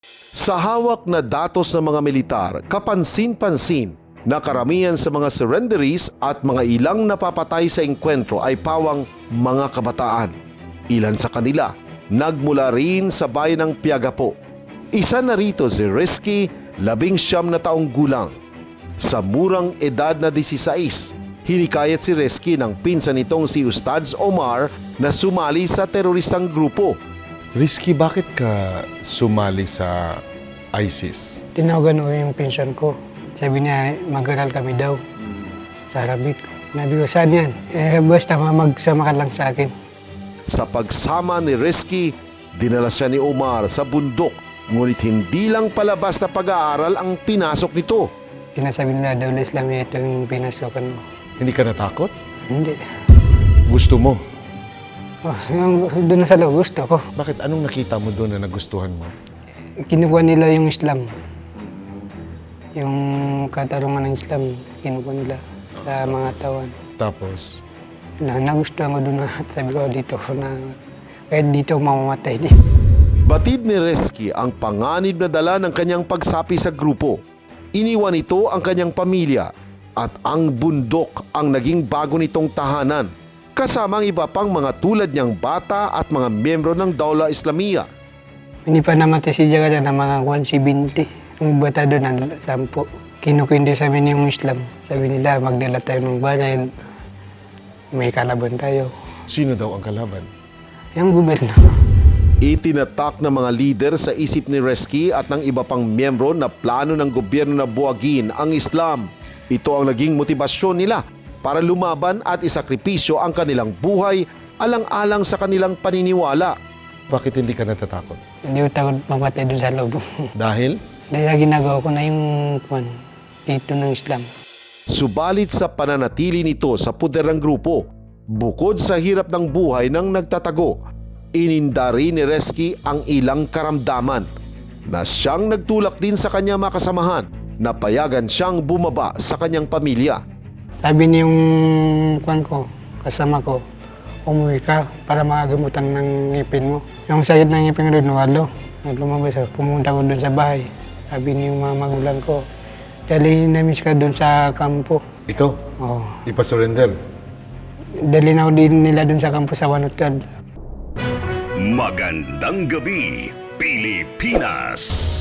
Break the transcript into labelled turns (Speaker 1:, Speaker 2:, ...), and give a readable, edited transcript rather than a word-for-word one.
Speaker 1: Sa hawak na datos ng mga militar, kapansin-pansin na karamihan sa mga surrenderies at mga ilang napapatay sa engkwentro ay pawang mga kabataan. Ilan sa kanila nagmula rin sa bayan ng Piagapo. Isa na rito si Rizky, 19 na taong gulang. Sa murang edad na 16, hinikayat si Rizky ng pinsan nitong si Ustadz Omar na sumali sa teroristang grupo.
Speaker 2: Rizky, bakit ka sumali sa ISIS?
Speaker 3: Tinawagan ko yung pinsan ko. Sabi niya, mag-aral kami daw sa Arabic. Nabi ko, saan yan? Basta magsama ka lang sa akin.
Speaker 1: Sa pagsama ni Rizky, dinala siya ni Omar sa bundok. Ngunit hindi lang palabas na pag-aaral ang pinasok nito.
Speaker 3: Sinasabi nila, daw na Islamia, ito yung pinasokan mo.
Speaker 2: Hindi ka natakot?
Speaker 3: Hindi.
Speaker 2: Gusto mo?
Speaker 3: Oh, doon na sa loob, gusto ko.
Speaker 2: Bakit? Anong nakita mo doon na nagustuhan mo?
Speaker 3: Kinukuha nila yung Islam. Yung katarungan ng Islam, kinukuha nila sa mga tawan.
Speaker 2: Tapos,
Speaker 3: Nagustuhan ko doon na sabi ko dito na kahit dito mamamatay din.
Speaker 1: Batid ni Rizky ang panganib na dala ng kanyang pagsapi sa grupo. Iniwan ito ang kanyang pamilya at ang bundok ang naging bago nitong tahanan, kasama ang iba pang mga tulad niyang bata at mga miyembro ng Daula Islamia.
Speaker 3: Hindi pa namatay si Jagada na mga 170. Ang bata doon ang 10. Kinukwindi sa amin yung Islam. Sabi nila, magdala tayo ng banay. May kalaban tayo.
Speaker 2: sino daw ang kalaban?
Speaker 3: Yung gobyerno.
Speaker 1: Itinatak ng mga lider sa isip ni Rizky at ng iba pang miyembro na plano ng gobyerno na buwagin ang Islam. Ito ang naging motibasyon nila para lumaban at isakripisyo ang kanilang buhay alang-alang sa kanilang paniniwala.
Speaker 2: Bakit hindi ka natatakot?
Speaker 3: Hindi ko takot mamatay doon sa loob.
Speaker 2: Dahil?
Speaker 3: Dahil ginagawa ko na yung dito ng Islam.
Speaker 1: Subalit sa pananatili nito sa puder ng grupo, bukod sa hirap ng buhay ng nagtatago, inindari ni Rizky ang ilang karamdaman na siyang nagtulak din sa kanyang makasamahan na payagan siyang bumaba sa kanyang pamilya.
Speaker 3: Sabi niya yung kasama ko, umuwi ka para makagamutan ng ngipin mo. Yung sakit ng ngipin ko doon, walo. Lumabas ako, pumunta ko doon sa bahay. Sabi niya yung mga magulang ko, dali na-miss ka doon sa kampo.
Speaker 2: Ikaw?
Speaker 3: Oo.
Speaker 2: Ipa-surrender?
Speaker 3: Dali na ako din nila doon sa kampo sa Wanutad.
Speaker 4: Magandang gabi, Pilipinas!